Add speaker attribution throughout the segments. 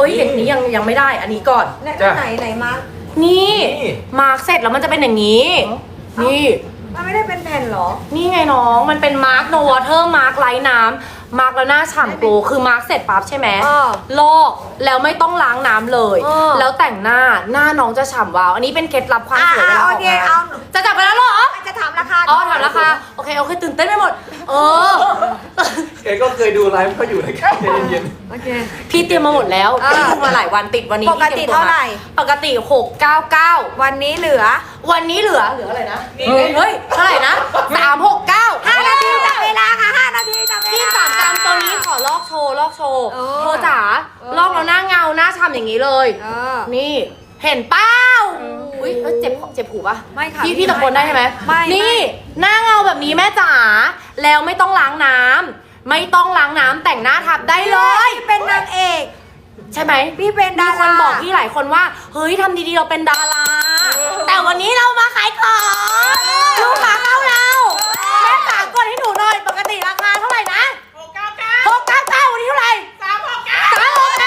Speaker 1: อ้ยอย่างนี้ยังไม่ได้อันนี้ก่อน
Speaker 2: ไหนมาร์ก
Speaker 1: นี่มาร์กเสร็จแล้วมันจะเป็นอย่างนี้นี่
Speaker 2: มันไม่ได้เป็นแผ่นหรอ
Speaker 1: นี่ไงน้องมันเป็นมาร์กโนวอเทอร์มาร์กไร้น้ำมาร์กแล้วหน้าฉ่ำโกลคือมาร์กเสร็จปั๊บใช่ไหมลอกแล้วไม่ต้องล้างน้ำเลย แล้วแต่งหน้าน้องจะฉ่ำวาวอันนี้เป็นเคล็ดลับความสวยเวลาออกงานจะจับไปแล้วเหรอ
Speaker 2: จะถามราคา
Speaker 1: อ๋อถามราคาโอเคตื่นเต้นไปหมด
Speaker 3: แกก็เคยดูไลฟ์เขาอยู่นะครับเย็น
Speaker 2: โอเค
Speaker 1: พี่เตรียมมาหมดแล้วพี่ดูมาหลายวันติดวันนี้
Speaker 2: ปกติเท่าไหร่
Speaker 1: ปกติ699
Speaker 2: วันนี้เหลือ
Speaker 1: วันนี้เหลืออะไรนะเฮ้ยเท่าไหร่นะ369
Speaker 2: 5 นาทีจับเวลาค่ะ5 นาทีจับเวลา
Speaker 1: พี่3กรัมตัวนี้ขอลอกโชว์เธอจ๋าลอกแล้วหน้าเงาหน้าฉ่ำอย่างนี้เลยนี่เห็นเป้าอุ้ยเจ็บหูปะ
Speaker 2: ไม่ค่ะ
Speaker 1: พี่ตะโกนได้ใช่ไหม
Speaker 2: ไม่
Speaker 1: นี่หน้าเงาแบบนี้แม่จ๋าแล้วไม่ต้องล้างน้ำไม่ต้องล้างน้ำแต่งหน้าทับได้เลย
Speaker 2: พี่เป็นนางเอก
Speaker 1: ใช่ไหม
Speaker 2: พี่เป็นดารา
Speaker 1: มีคนบอกพี่หลายคนว่าเฮ้ยทำดีๆเราเป็นดาราแต่วันนี้เรามาขายของลูกค้าเข้าเราแม่จ๋ากดให้หนูหน่อยปกติราคาเท่าไหร่นะ699วันนี้เท่าไหร่369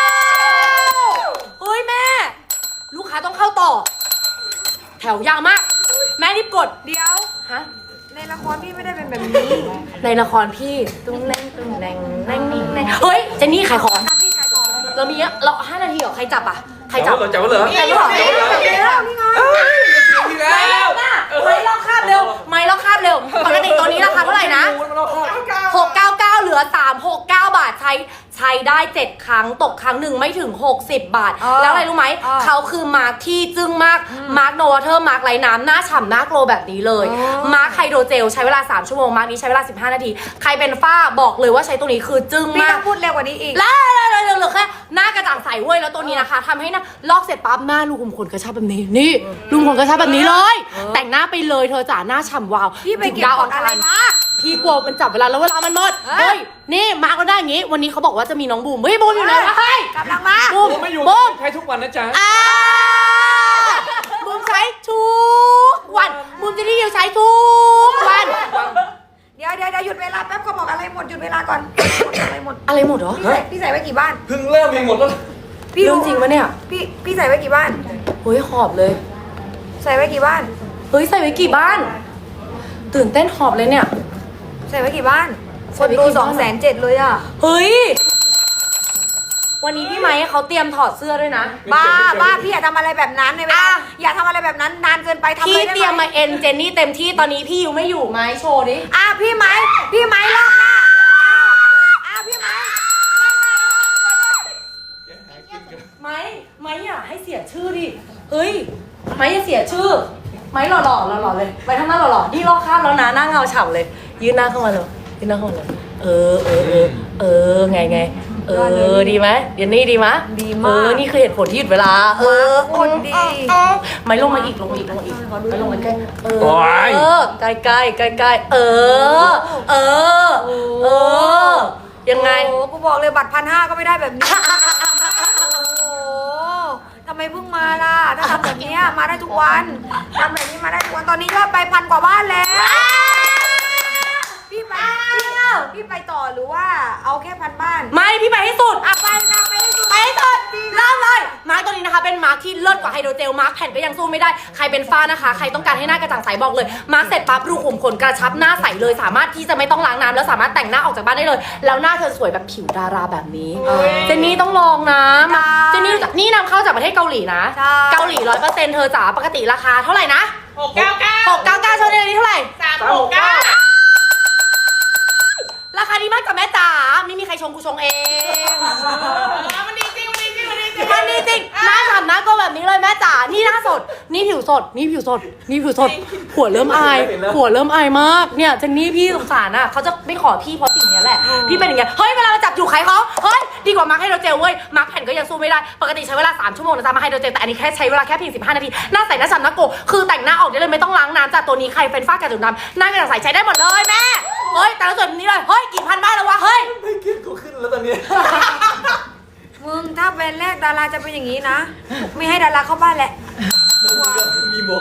Speaker 1: เฮ้ยแม่ลูกค้าต้องเข้าต่อ แถวยาวมากแม่รีบกด
Speaker 2: เดี๋ยว
Speaker 1: ฮะ
Speaker 2: ในละครพี่ไม่ได้เป็นแบบนี้
Speaker 1: ในละครพี่ตุ้งแรงเฮ้ยเจนนี่ขายของ
Speaker 2: พี่ชายของ
Speaker 1: เรามีเรา5 นาทีเหรอใครจับอ่ะใคร
Speaker 3: ๆ
Speaker 1: จับ
Speaker 3: จับเหรอ
Speaker 1: ใครจับ
Speaker 2: แล้วนี่ไง
Speaker 3: ทีแล้ว
Speaker 1: ไม่ลอกคราบเร็วไม่ลอกคราบเร็วปกติตัวนี้ราคาเท่าไหร่นะ699เหลือ369 บาทใช้ได้7ครั้งตกครั้งหนึ่งไม่ถึง60 บาทแล้วอะไรรู้ไหมเขาคือมาร์คที่จึ้งมากมาร์คโนวอเทอร์มาร์คไร้น้ำหน้าฉ่ำหน้าโกลแบบนี้เลยมาร์คไฮโดรเจลใช้เวลา3 ชั่วโมงมาร์คนี้ใช้เวลา15 นาทีใครเป็นฝ้าบอกเลยว่าใช้ตัวนี้คือจึ้ง
Speaker 2: พี่
Speaker 1: มา
Speaker 2: ต้
Speaker 1: ก
Speaker 2: องพูดเร็วกว่านี้อีก
Speaker 1: แล้วเหลือแค่หน้ากระจ่างใสเว้ยแล้วตัวนี้นะคะทำให้หน้าลอกเสร็จปั๊บหน้ารูขุมขนกระชับแบบนี้นี่รูขุมขนกระชับแบบนี้เลย แต่งหน้าไปเลยเธอจ๋าหน้าฉ่ำวาว
Speaker 2: พี่ไปเก็บ
Speaker 1: ดาว
Speaker 2: กดอะไรมา
Speaker 1: พี่กลัวมันจับเวลาแล้วเวลามันหมดเฮ้ยนี่มาก็ได้อย่างงี้ วันนี้เขาบอกว่าจะมีน้องบูมเฮ้ยบูมอยู่ไหนวะเฮ้ย
Speaker 2: กำลังมา
Speaker 1: บูม
Speaker 3: ไม่อยู่
Speaker 1: บูม
Speaker 3: ใช้ทุกวันนะจ๊ะ
Speaker 1: บูมใช้ทุกวันบูมจะได้ใช้ทุกวัน
Speaker 2: เดี๋ยวหยุดเวลาแป๊บเขาบอกอะไรหมดหยุดเวลาก่อนอะไรหมด
Speaker 1: อะไรหมดเหรอ
Speaker 2: พี่ใส่ไว้กี่บ้าน
Speaker 3: เพิ่งเริ่มเองหมดแล้ว
Speaker 1: เรื่องจริงปะเนี่ย
Speaker 2: พี่ใส่ไว้กี่บ้าน
Speaker 1: เฮ้ยหอบเลย
Speaker 2: ใส่ไว้กี่บ้าน
Speaker 1: เฮ้ยใส่ไว้กี่บ้าน ตื่นเต้นหอบเลยเนี่ย
Speaker 2: ใส่ไว้กี่บ้าน
Speaker 1: ใส่
Speaker 2: คน
Speaker 1: ไว้
Speaker 2: ดู
Speaker 1: กี่บ้าน
Speaker 2: 207,000เลยอ่ะ
Speaker 1: เฮ้ย วันนี้พี่ไม้เขาเตรียมถอดเสื้อด้วยนะ
Speaker 2: บ้าพี่อย่าทำอะไรแบบนั้นในเวลาอย่าทำอะไรแบบนั้นนานเกินไปทำ
Speaker 1: พี่
Speaker 2: เลยได้
Speaker 1: เตรียม
Speaker 2: ไหม
Speaker 1: มาเอ็นเจนนี่เต็มที่ตอนนี้พี่ยูไม่อยู่ไม้โชว์ดิ
Speaker 2: พี่ไม้รอบหน้าพี่ไม้
Speaker 1: ไม้อย่าให้เสียชื่อดิ เฮ้ย ไม้อย่าเสียชื่อ ไม้หล่อเลย ไปทำหน้าหล่อนี่ลอกข้ามแล้วนะหน้าเงาฉ่ำเลย ยืนหน้าเข้ามาเลยยืนหน้าเข้ามาเลยไงดีไหมเดี๋ยวนี่ดีไหม
Speaker 2: ดีมาก
Speaker 1: นี่คือเหตุผลที่หยุดเวลา
Speaker 2: คนดี
Speaker 1: ไม่ลงมาอีกไม่ลงมาใกล้
Speaker 3: โอ๊ย
Speaker 1: ใกล้ยังไง
Speaker 2: โอ้กูบอกเลยบัตร1,500ก็ไม่ได้แบบนี้โอ้โหทำไมเพิ่งมาล่ะถ้าทำแบบนี้มาได้ทุกวันทำแบบนี้มาได้ทุกวันตอนนี้ยอดไป1,000 กว่าบ้านแล้วพี่ไปต่อหรือว่าเอาแค่1,000 บ้าน
Speaker 1: ไม่พี่ไปให้สุด
Speaker 2: ไปให้สุด
Speaker 1: ไปให้สุดเริ่มเลยมาร์กตัวนี้นะคะเป็นมาร์กที่เลิศกว่าไฮโดรเจลมาร์กแผ่นก็ยังสู้ไม่ได้ใครเป็นฝ้านะคะใครต้องการให้หน้ากระจ่างใสบอกเลยมาร์กเสร็จปั๊บรูขุมขนกระชับหน้าใสเลยสามารถที่จะไม่ต้องล้างน้ำแล้วสามารถแต่งหน้าออกจากบ้านได้เลย แล้วหน้าเธอสวยแบบผิวดาราแบบนี้เจนนี่ต้องลองนะเจนนี่นี่นำเข้าจากประเทศเกาหลีนะเกาหลี100%เธอจ๋าปกติราคาเท่าไหร่นะ699เท่านี้เท่าไหร่ราคาดีมากจ้ะแม่จ๋าไม่มีใครชงกูชงเองมันดีจริงหน้าฉ่ำหน้าก็แบบนี้เลยแม่จ๋านี่หน้าสดนี่ผิวสดหัวเริ่มอายมากเนี่ยเจนนี่พี่สงสารอ่ะเขาจะไม่ขอพี่เพราะสิ่งนี้แหละพี่เป็นอย่างเงี้ยเฮ้ยเวลามาจับอยู่ขายของเฮ้ยดีกว่ามาร์คไฮโดรเจลเว้ยมาร์คแผ่นก็ยังสู้ไม่ได้ปกติใช้เวลา3 ชั่วโมงนะจ๊ะมาร์คไฮโดรเจลแต่อันนี้แค่ใช้เวลาแค่เพียง15 นาทีหน้าใสหน้าฉ่ำหน้าโกคือแต่งหน้าออกได้เลยไม่ต้องล้างน้ำจ้ะตัวนี้ใครเป็นฝ้ากระจุดดำหน้ากระจ่างใสใช้ได้หมดเลยแม่เฮ้ยแต่ละส่วนนี้เลยเฮ้ยกี่พันบ้านแล้ววะเฮ้ย
Speaker 3: ไม่คิดกูขึ้นแล้วตอนนี้
Speaker 2: มึงถ้าเป็นแรกดาราจะเป็นอย่างนี้นะไม่ให้ดาราเข้าบ้านแหละ
Speaker 3: มีบวก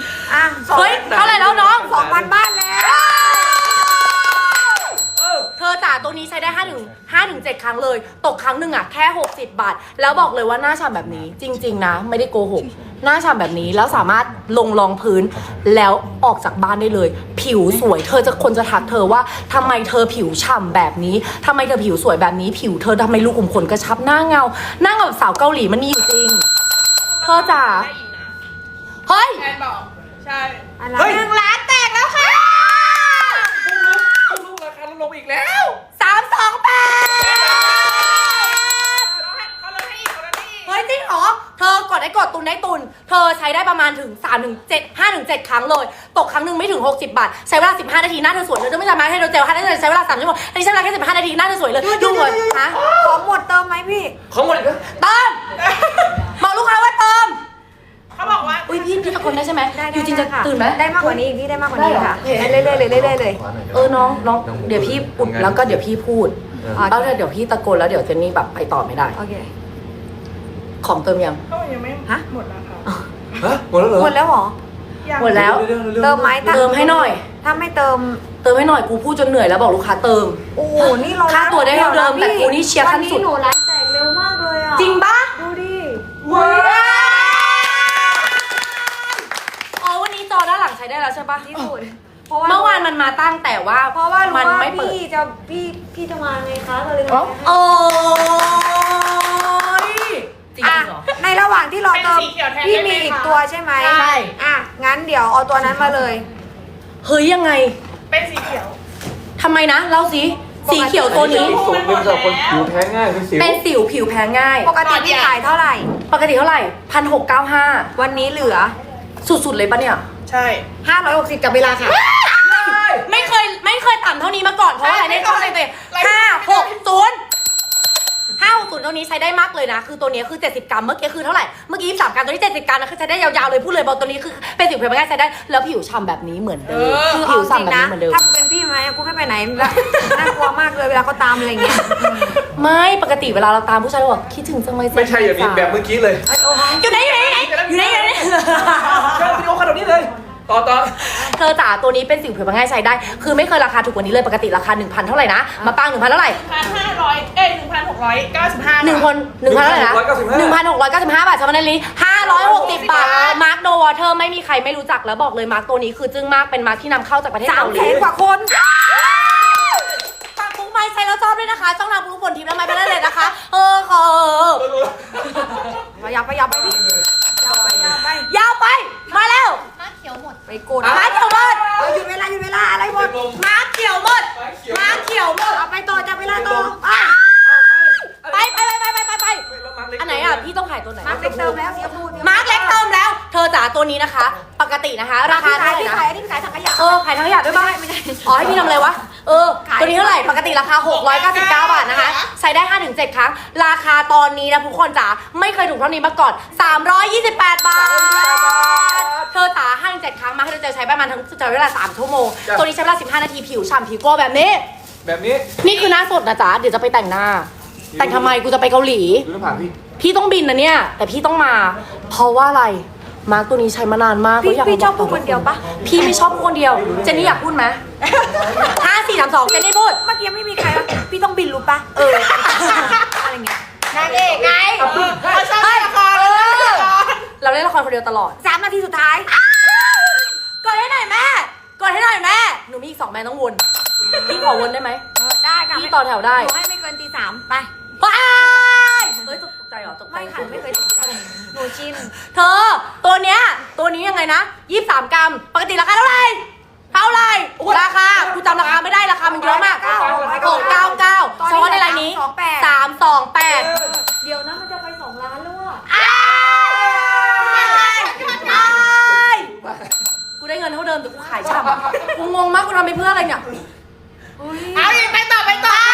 Speaker 1: เฮ้ยเท่าไหร่แล้วน้อง
Speaker 2: 2,000 บ้านแล้ว
Speaker 1: เธออจ๋าตัวนี้ใช้ได้5 ถึง 7 ครั้งเลย ตกครั้งหนึ่งอะแค่ 60 บาท แล้วบอกเลยว่าหน้าฉ่ำแบบนี้ จริง ๆ นะ ไม่ได้โกหก หน้าฉ่ำแบบนี้แล้วสามารถลงรองพื้น แล้วออกจากบ้านได้เลย ผิวสวย เธอจะคนจะทักเธอว่าทำไมเธอผิวฉ่ำแบบนี้ทำไมเธอผิวสวยแบบนี้ ผิวเธอทำไมลูกขุมขนกระชับหน้าเงาหน้าเงาแบบสาวเกาหลีมันมีอยู่จริงเธอจ๋าเฮ้ย
Speaker 4: แอนบอก ใช่
Speaker 2: อะไร
Speaker 1: 1 ล้านแตกแล้วค่ะ
Speaker 3: ลูกราคาลดลงอีกแล้ว
Speaker 1: 328
Speaker 4: เขาลดให้อีกเขาลดให้อีก
Speaker 1: เฮ้ยจริงเหรอ เธอกดได้กดตุนได้ตุน เธอใช้ได้ประมาณถึง5 ถึง 7 ครั้งเลย ตกครั้งหนึ่งไม่ถึง 60 บาท ใช้เวลา 15 นาทีหน้าเธอสวยเลยเธอไม่สามารถให้เธอเจลให้ได้ใช้เวลา3 ชั่วโมงอันนี้ใช้เวลาแค่ 15 นาทีหน้าเธอสวยเลยดูเลยฮะ
Speaker 2: ของหมดเติมไหมพี่
Speaker 3: ของหมดอีกแล้ว
Speaker 1: เติมบอกลูกค้าว่าเติม
Speaker 4: เขาบอกว่า
Speaker 1: อุ้ยพี่ตะโกนได้ใช่ไหมอยู่จริงจะ
Speaker 2: ค่ะ
Speaker 1: ตื่นไหม
Speaker 2: ได้มากกว่านี้อีกพี่ได้มากกว่านี้
Speaker 1: ได้เหรอ
Speaker 2: ค่ะ
Speaker 1: โอเค
Speaker 2: เรื่อยๆเลยเรื่อยๆเลย
Speaker 1: น้องเดี๋ยวพี่อุดแล้วก็เดี๋ยวพี่พูด แล้วเดี๋ยวพี่ตะโกนแล้วเดี๋ยวเจนนี่แบบไปต่อไม่ได้
Speaker 2: โอเค
Speaker 1: ของเติมยัง
Speaker 4: เขายังไม่
Speaker 2: ฮะ
Speaker 4: หมดแล้วค่ะ
Speaker 3: ฮะหมดแล้วเหรอ
Speaker 2: หมดแล้วเหรอ
Speaker 4: ยัง
Speaker 1: หมดแล้ว
Speaker 2: เติมไหมถ้า
Speaker 1: เติมให้หน่อย
Speaker 2: ถ้าไม่เติม
Speaker 1: เติมให้หน่อยกูพูดจนเหนื่อยแล้วบอกลูกค้าเติม
Speaker 2: โอ้โห นี่เรา
Speaker 1: ค่าตัวได้เท่าเดิมแต่กูนี่เชียร์ขั้นสุด
Speaker 2: วันนี้หนูร้านแตกเร็วมากเลยอ่ะ
Speaker 1: จริงปะ
Speaker 2: ดูดิ
Speaker 1: ว้าวอ๋อวันนี้จอด้านหลังใช้ได้แล้วใช่ปะ
Speaker 2: ที่สุด
Speaker 1: เมื่อวานมันมาตั้งแต่ว่า
Speaker 2: เพราะว่ารู้
Speaker 1: มัน
Speaker 2: ว่า
Speaker 1: ไม่เปิด
Speaker 2: พี่จะมาไงคะก็เลย
Speaker 1: โอ้ยจริง
Speaker 2: อ่ะ
Speaker 1: เหรอ
Speaker 2: ในระหว่างที่เราเติม
Speaker 4: เป็นสีเขียวแทน
Speaker 2: พี่
Speaker 4: ได้ไหม
Speaker 2: มีอีก
Speaker 4: คะ
Speaker 2: ตัวใช่ไหม
Speaker 1: ใช่
Speaker 2: อ่ะงั้นเดี๋ยวเอาตัวนั้นมาเลย
Speaker 1: เฮ้ยยังไง
Speaker 4: เป็นสีเขียว
Speaker 1: ทำไมนะเล่าสิสีเขียวตัวนี้
Speaker 3: สูงเป็นสำหรับคนผิวแพ้ง่ายเป็นสิว
Speaker 1: เป็นสิวผิวแพ้ง่าย
Speaker 2: ปกติพี่ขายเท่าไหร่
Speaker 1: ปกติเท่าไหร่1,695
Speaker 2: วันนี้เหลือ
Speaker 1: สุดๆเลยปะเนี่ย
Speaker 4: ใช่
Speaker 2: 560กับเวลาค่ะ
Speaker 1: ไม่เคยต่ำเท่านี้มาก่อนเพราะว่าอะไรเนี่ยช่องเลย560ตัวนี้ใช้ได้มากเลยนะ คือตัวนี้คือ70 กรัมเมื่อกี้คือเท่าไหร่เมื่อกี้23 กรัมตัวนี้70 กรัมนะคือใช้ได้ยาวๆเลยพูดเลยบอกตัวนี้คือเป็นสิวเพียงง่ายใช้ได้แล้วผิวฉ่ำแบบนี้เหมือนเดิม
Speaker 2: คือ
Speaker 1: ผิ
Speaker 2: เอา
Speaker 1: ว
Speaker 2: จริง
Speaker 1: ฉ่ำแบบ
Speaker 2: นะ
Speaker 1: นี้เหมือนเดิม
Speaker 2: ถ้ากูเป็นพี่ไหมกูไม่ไปไหนละน่ากลัวมากเลยเวลาเขาตามอะไรเงี้ย
Speaker 1: ไม่ปกติเวลาเราตามผู้ชายเราบอกคิดถึงจังเลย
Speaker 3: ไม่ใช่อย่างนี้แบบเมื่อกี้เลย
Speaker 1: อยู่ไหนอยู่ไหนอยู่ไหนอยู่ไหน
Speaker 3: เชิญวิดีโอขนาดนี้เลยต่อ
Speaker 1: เธอจ๋าตัวนี้เป็นสิวผิวง่ายใช้ได้ คือไม่เคยราคาถูกกว่านี้เลยปกติราคา 1,000 เท่าไหร่นะมาปัง 1,000 เท่าไหร่
Speaker 4: 1,500 1,695
Speaker 1: 1,000เท่าไหร่นะ1,695 บาทชาวบ้านนี้560 บาทมาร์คโนวอเทอร์ไม่มีใครไม่รู้จักแล้วบอกเลยมาร์คตัวนี้คือจึ้งมากเป็นมาร์คที่นำเข้าจากประเทศเกาหลี
Speaker 2: 300,000 กว่าคน
Speaker 1: ฝากปุ๊กไม้ใช้แล้วชอบด้วยนะคะช่องทางปุ๊กฝนทิพย์และไม้ไปได้เลยนะคะขอ
Speaker 2: อย่าไปพี่อย่าไป
Speaker 1: ยาวไปมาแล้ว
Speaker 2: ไปกด
Speaker 1: มาเขียวหมด
Speaker 2: หยุดเวลาอะไรหมด
Speaker 1: มาเขียวหมดมาเขียวหมด
Speaker 2: เอาไปต่อจับเวลาต่อ
Speaker 1: ไปอันไหนอ่ะพี่ต้องขายตัวไหน
Speaker 2: มาร์คเล็กเติมแล้วเสียพูด
Speaker 1: มาร์คเล็กเติมแล้ว เธอจ๋าตัวนี้นะคะ ปกตินะคะ ราคาเท่าไหร่
Speaker 2: พี่
Speaker 1: นะ
Speaker 2: ขายอันนี้พี่ขายถังขยะ
Speaker 1: ขายทั้งขยะด้วยป่ะ
Speaker 2: ไม่ใช่
Speaker 1: อ๋อให้พี่ทำอะไรวะตัวนี้เท่าไหร่ปกติราคา699 บาทนะคะใช้ได้ 5-7 ครั้งราคาตอนนี้นะทุกคนจ๋าไม่เคยถูกเท่านี้มาก่อน328 บาทเธอจ๋า5-7 ครั้งมาให้เราจะใช้ประมาณทั้งใช้เวลา3 ชั่วโมงตัวนี้ใช้เวลา15 นาทีผิวฉ่ำผิวโกลว์แบบนี้
Speaker 3: แบบนี้
Speaker 1: นี่คือหน้าสดนะจ๊ะเดี๋ยวจะไปแต่งหน้า แต่งทำไมกูจะไปเกาหลี
Speaker 3: ดูหน้าผากพี่
Speaker 1: พี่ต้องบินนะเนี่ย แต่พี่ต้องมา เพราะว่าอะไร มาร์กตัวนี้ใช้มานานมาก
Speaker 2: พี่ชอบพูดคนเดียวปะ
Speaker 1: พี่ไม่ชอบพูดคนเดียว เจนนี่อยากพูดไหม5 4 3 2เจนนี่พูด
Speaker 2: เมื่อกี้ไม่มีใครวะพี่ต้องบินรู้ปะอะไรเงี้ยนางเอกไง
Speaker 4: เขาชอบเล่นละคร
Speaker 1: เราเล่นละครคนเดียวตลอด
Speaker 2: 3 นาทีสุดท้าย
Speaker 1: กดให้หน่อยแม่ กดให้หน่อยแม่ หนูมีอีก2 แม่ต้องวน พี่ขอวนได้ไหม
Speaker 2: ได้ค่ะ
Speaker 1: พี่ต่อแถวได้
Speaker 2: หนูให้ไม่เกินตี 3ไป
Speaker 1: ว้ายเฮ้ยตกใจเหรอตกใจ
Speaker 2: ไม่ค่ะไม่เคยตกใจหนูชิน
Speaker 1: เธอ ตัวเนี้ย ตัวนี้ยังไงนะ23 กรัม ปกติราคาเท่าไหร่ ราคา กูจำราคาไม่ได้ราคามันเยอะมาก699เฉพาะในรายนี้328
Speaker 2: เดี๋ยวนะมันจะไป2 ล้านแล้วอ่ะ
Speaker 1: กูได้เงินเท่าเดิมแต่กูขายฉ่ำกูงงมากกูทำไปเพื่ออะไรเนี่ย
Speaker 4: เอาอีกไปต่อ
Speaker 1: ไป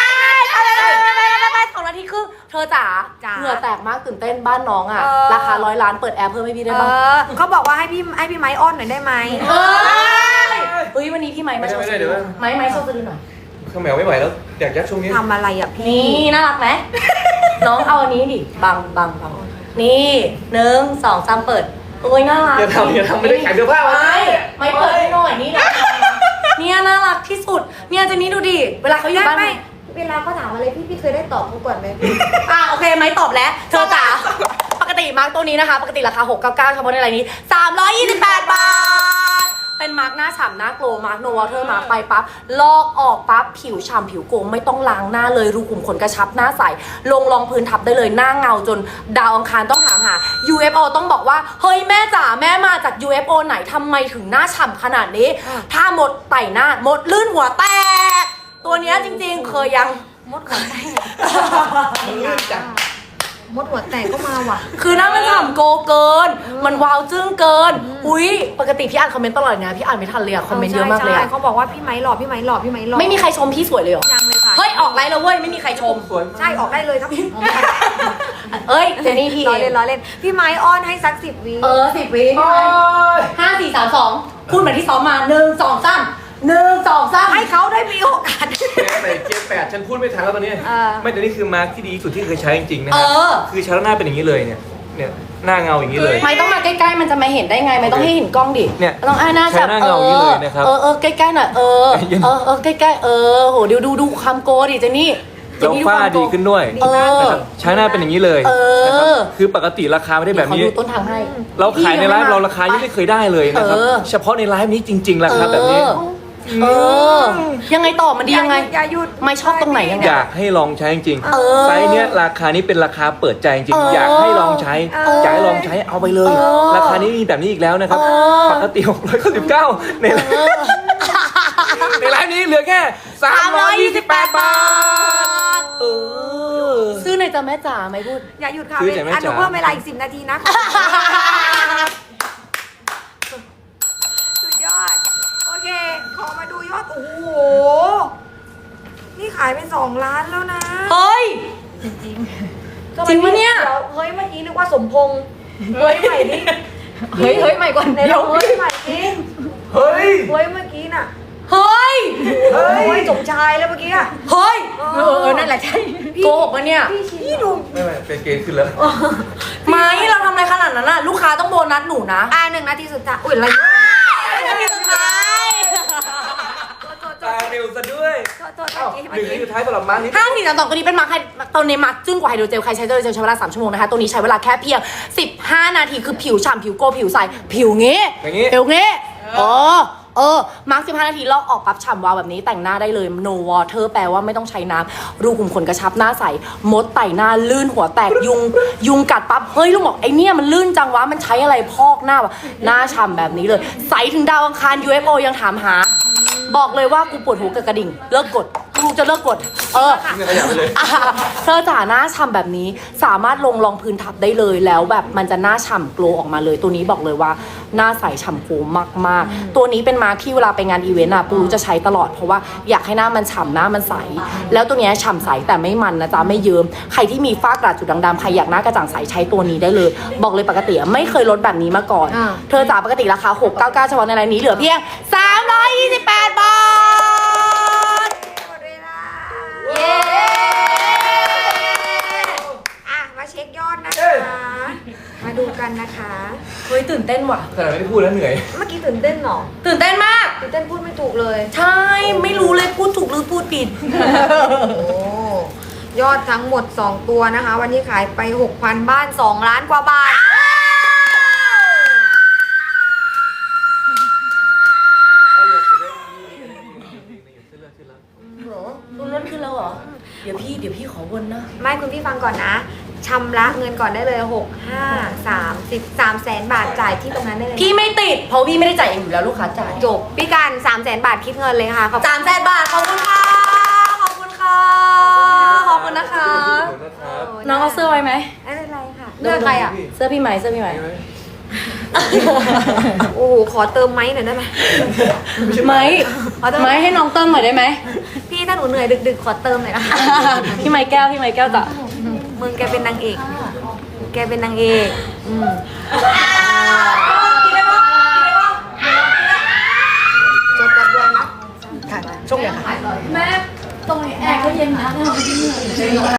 Speaker 1: 2 นาทีครึ่งเธอจ๋าเหงื่อแตกมากตื่นเต้นบ้านน้องอ่ะ ราคา100 ล้านเปิดแอร์เพิ่มให้พี่ได้บ้าง
Speaker 2: เขาบอกว่าให้พี่ไม้อ้อนหน่อยได้ไหม
Speaker 1: เฮ้ยวันนี้พี่ไม้มาโชว์สะดือไม้โชว์สะดือหน่อย
Speaker 3: ข้าวแมวไม่ไหวแล้วอยากยัดช่วงนี้
Speaker 2: ทำอะไรอ่ะพี่
Speaker 1: นี่น่ารักไหม น้องเอาอันนี้ดิบังนี่1 2 3เปิดโอ้ยน่ารัก
Speaker 3: อย่าทำไม่ได้ขายเสื้อผ้า
Speaker 1: ไม่เปิดให้หน่อยนี่นะเนี่ยน่ารักที่สุดเนี่ยเจนนี่ดูดิเวลาเขาอยู่บ้าน
Speaker 2: เวลาเขาถามอะไรพี่เคยได้ตอบเขาก่อนไหม
Speaker 1: โอเคไหมตอบแล้วเธอจ๋าปกติมาร์กตัวนี้นะคะ ปกติราคา699เฉพาะในรายนี้328 บาทเป็นมาร์กหน้าฉ่ำหน้าโกลมาร์กโนวอเตอร์มาร์กไปปั๊บลอกออกปั๊บผิวฉ่ำผิวโกลไม่ต้องล้างหน้าเลยรูขุมขนกระชับหน้าใสลงรองพื้นทับได้เลยหน้าเงาจนดาวอังคารต้องถามหา UFO ต้องบอกว่าเฮ้ยแม่จ๋าแม่มาจาก UFO ไหนทำไมถึงหน้าฉ่ำขนาดนี้ถ้าหมดไต่หน้าหมดลื่นหัวแตกตัวเนี้ยจริงๆเคยยัง
Speaker 2: มดหัวแตก
Speaker 3: มันลื่นจัง
Speaker 2: มดหัวแตกก็มาว่ะ
Speaker 1: คือหน้ามันฉ่ำโกเกิน มันวาวจึ้งเกิน อุ้ยปกติพี่อ่านคอมเมนต์ตลอดนะพี่อ่านไม่ทันเลยอะคอมเมนต์เยอะมากเลยอะ
Speaker 2: ใช่เขาบอกว่าพี่ไม้หล่อพี่ไม้หล่อพี่ไม้หล่อ
Speaker 1: ไม่มีใครชมพี่สวยเลยเหรอ
Speaker 2: ยังเลยค่ะ
Speaker 1: เฮ้ยออกไลน์แล้วเว้ยไม่มีใครชม
Speaker 3: สวย
Speaker 2: ใช่ออกได้เลยครับ
Speaker 1: เอ้ยเจนนี่พี่
Speaker 2: ล้อเล่นล้อเล่นพี่ไม้อ้อนให้สัก10 วิ
Speaker 1: 10 วิ5 4 3 2พูดเหมือนที่ซ้อมมา1 2 3 1 2 3
Speaker 2: ให้เขาได้มีโอกาส
Speaker 3: เกียร์8ฉันพูดไม่ทันแล้วตอนนี้
Speaker 2: เออ
Speaker 3: ไม่แต่นี่คือมาร์คที่ดีที่สุดที่เคยใช้จริงๆนะ
Speaker 1: เอ
Speaker 3: ฮะ
Speaker 1: อ
Speaker 3: คือใช้แล้วหน้าเป็นอย่างนี้เลยเนี่ยหน้าเงาอย่างนี้เลย
Speaker 1: ไม่ต้องมาใกล้ๆมันจะมาเห็นได้ไงไม่ต้องให้เห็นกล้องดิ
Speaker 3: เนี่ย
Speaker 1: ต้องหน้า
Speaker 3: ใช้หน้าเงาอย่างนี้เลยนะครับ
Speaker 1: ใกล้ๆหน่อยใกล้ๆโหเดี๋ยวดูความโกดิเจนนี่
Speaker 3: แล้วฝ้าดีขึ้นด้วย นะครับใช้หน้าเป็นอย่างนี้เลยนะครับคือปกติราคาไม่ได้แบบนี้
Speaker 1: ขอดูต้นทางให้
Speaker 3: เราขายในไลฟ์เราราคายังไม่เคยได้เลยนะครับ เฉพาะในไลฟ์นี้จริงๆราคาแบบนี้
Speaker 1: ยังไงต่อมันดียังไง
Speaker 2: อย่าหยุด
Speaker 1: ไม่ชอบตรงไหนยังไง
Speaker 3: อยากให้ลองใช้จริง
Speaker 1: เออ
Speaker 3: ๆไซส์เนี้ยราคานี้เป็นราคาเปิดใจจริง
Speaker 1: เออ
Speaker 3: ๆอยากให้ลองใช้ อยากให้ลองใช้เอาไปเลย
Speaker 1: เออ
Speaker 3: ราคานี้มีแบบนี้อีกแล้วนะครับ
Speaker 1: เออ
Speaker 3: ปกติ699ในไลฟ์ในไลฟ์นี้เหลือแค่328 บาท
Speaker 1: ซื้อในอยจ้ะแม่จ๋าไม่พูด
Speaker 2: อย่าหยุดค่ะ
Speaker 3: คืออย่างแม่
Speaker 2: หนู
Speaker 3: จ๋า
Speaker 2: เพิ่มเวลาอีก10 นาทีนะสุดยอดโอเคขอมาดูยอดโอ้โหนี่ขายไป2 ล้านแล้วนะ
Speaker 1: เฮ้ย จริงปะเนี่ย
Speaker 2: ดี๋วเฮ้ยเมื่อกี้นึกว่าสมพงษ์เฮ้ยใหม่ดิ
Speaker 1: เฮ้ยใหม่ก่อน
Speaker 2: ในเราเฮ้ยใหม่ดิ
Speaker 3: เฮ้ย
Speaker 2: เฮ้ยเมื่อกี้น่ะ
Speaker 1: เฮ้ย
Speaker 2: เฮ้ยสมชายแล้วเมื่อกี้อะ
Speaker 1: เฮ้ยนั่นแหละใช่โกหกปะเนี่ย
Speaker 2: พี่ดู
Speaker 3: ไม่เป็นเกณฑ์ขึ้นแล้ว
Speaker 1: ไม่เราทำอะไรขนาดนั้นน่ะลูกค้าต้องโบนัสหนูนะ
Speaker 2: 1 นาทีสุดท้ายอุ้ยอะไร
Speaker 1: นาทีสุดท้าย
Speaker 3: ตาเร็วซะด้วย
Speaker 2: โทษ
Speaker 3: อ้าว
Speaker 2: เมื่อ
Speaker 3: หนึ่ง
Speaker 2: กี้
Speaker 3: นาทีสุดท้ายสำหรับมาร์คนี้
Speaker 1: 5 4 3 2ตัวนี้เป็นมาร์คตัวนี้มาร์คจึ้งกว่าไฮโดรเจลใครใช้ไฮโดรเจลใช้เวลา3 ชั่วโมงนะคะตัวนี้ใช้เวลาแค่เพียง15 นาทีคือผิวฉ่ำผิวโกผิวใสผิวงี้
Speaker 3: อย่างงี้
Speaker 1: ผิวงี้มาร์ค15 นาทีลอกออกปั๊บฉ่ำวาวแบบนี้แต่งหน้าได้เลย no water แปลว่าไม่ต้องใช้น้ำรูขุมขนกระชับหน้าใสมดไต่หน้าลื่นหัวแตกยุงกัดปั๊บเฮ้ยลูกบอกไอเนี่ยมันลื่นจังวะมันใช้อะไรพอกหน้าวะหน้าฉ่ำแบบนี้เลยใสถึงดาวอังคาร UFO ยังถามหา บอกเลยว่ากูปวดหัวกับกระดิ่งเลิกกดกูจะเลิกกด
Speaker 3: ไม่ขยับไปเลย
Speaker 1: เธอจ๋าหน้าฉ่ำแบบนี้สามารถลงรองพื้นทับได้เลยแล้วแบบมันจะหน้าฉ่ำโกลออกมาเลยตัวนี้บอกเลยว่าหน้าใสฉ่ำโกลมากๆตัวนี้เป็นมาร์คที่เวลาไปงานอีเวนต์อะปูจะใช้ตลอดเพราะว่าอยากให้หน้ามันฉ่ำหน้ามันใสแล้วตัวเนี้ยฉ่ำใสแต่ไม่มันนะจ๊ะไม่เยิ้มใครที่มีฝ้ากระจุดด่างๆใครอยากหน้ากระจ่างใสใช้ตัวนี้ได้เลย บอกเลยปกติไม่เคยลดแบบนี้มาก่อนเธอจ๋าปกติราคา699เฉพาะในรายนี้เหลือเพียง328 บาท
Speaker 2: หมดเวลา
Speaker 1: เย้
Speaker 2: มาเช็คยอดนะคะ มาดูกันนะคะ
Speaker 1: เฮ้ยตื่นเต้นว่ะ
Speaker 3: ขนาดไม่ได้พูดแล้วเหนื่อย
Speaker 2: เมื่อกี้ตื่นเต้นเหรอ
Speaker 1: ตื่นเต้นมาก
Speaker 2: ตื่นเต้นพูดไม่ถูกเลย
Speaker 1: ใช่ไม่รู้เลยพูดถูกหรือพูดผิด
Speaker 2: โอ้ยอดทั้งหมด 2 ตัวนะคะ วันนี้ขายไป 6,000 บ้าน 2 ล้านกว่าบาท
Speaker 1: คุณลดขึ้นแล้วเหรอ เดี๋ยวพี่ขอวนนะ
Speaker 2: ไม่คุณพี่ฟังก่อนนะชำระเงินก่อนได้เลย 3 แสนบาทจ่ายที่ตรงนั้นได้เลย
Speaker 1: พี่ไม่ติด เพราะพี่ไม่ได้จ่ายเองอยู่แล้วลูกค้าจ่าย
Speaker 2: จบพี่การ3 แสนบาทคิดเงินเลยค่ะขอบคุณ
Speaker 1: 300,000 บาท ขอบคุณค่ะ ขอบคุณค่ะ ขอบคุณนะคะ น้องเอาเสื้อไว้ไหม
Speaker 2: ไม่เป็นไรค่ะเลือกใครอ่ะ
Speaker 1: เสื้อพี่ไหมเสื้อพี่ไหม
Speaker 2: โอ้โหขอเติมไม้หน่อยได้ไหม
Speaker 1: ไหมให้น้องเติมหน่อยได้ไหม
Speaker 2: พี่ถ้าหนูเหนื่อยดึกๆขอเติมหน่อยนะคะ
Speaker 1: พี่ไม้แก้วจ้ะ
Speaker 2: มึงแกเป็นนางเอก แกเป็นนางเอกจบกันด้วยนะ
Speaker 1: ช่วงเดียวค่ะแม่ตรงนี้แอร์ก็เย็นนะ